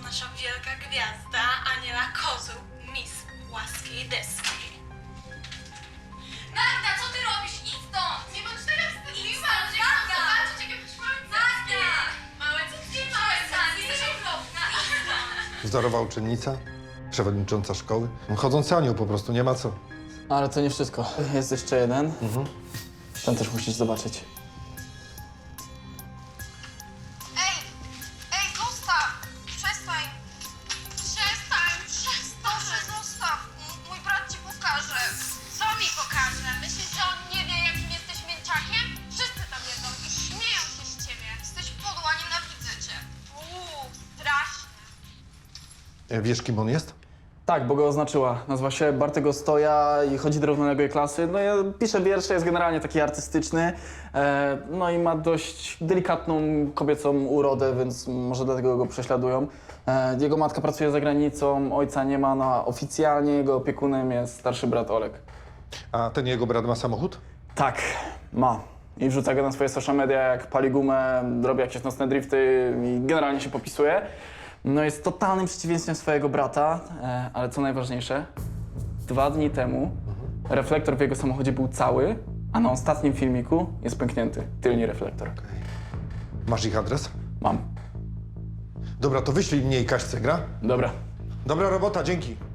nasza wielka gwiazda Aniela Kozół, Miss Płaskiej Deski. Magda, co ty robisz? Idź stąd! Nie bądź taka wstydliwa, że chcą zobaczyć, jakie masz małe cycki. Małe cycki, małe cycki, jesteś okropna. Idź stąd. Wzorowa uczennica, przewodnicząca szkoły. Chodzący anioł po prostu, nie ma co. Ale to nie wszystko. Jest jeszcze jeden. Ten też musisz zobaczyć. Ej, zostaw! Przestań! Proszę, zostaw! Mój brat ci pokaże. Co mi pokaże? Myślisz, że on nie wie, jakim jesteś mięczakiem? Wszyscy to wiedzą i śmieją się z ciebie. Jesteś podła, nienawidzę cię. Strasznie. Wiesz, kim on jest? Tak, bo go oznaczyła. Nazywa się Bartek Ostoja i chodzi do równoległej klasy. No ja pisze wiersze, jest generalnie taki artystyczny. No i ma dość delikatną kobiecą urodę, więc może dlatego go prześladują. Jego matka pracuje za granicą, ojca nie ma, no a oficjalnie jego opiekunem jest starszy brat Olek. A ten jego brat ma samochód? Tak, ma. I wrzuca go na swoje social media, jak pali gumę, robi jakieś nocne drifty i generalnie się popisuje. No jest totalnym przeciwieństwem swojego brata, ale co najważniejsze, 2 dni temu reflektor w jego samochodzie był cały, a na ostatnim filmiku jest pęknięty, tylny reflektor. Masz ich adres? Mam. Dobra, to wyślij mnie i Kaśce, gra? Dobra. Dobra robota, dzięki.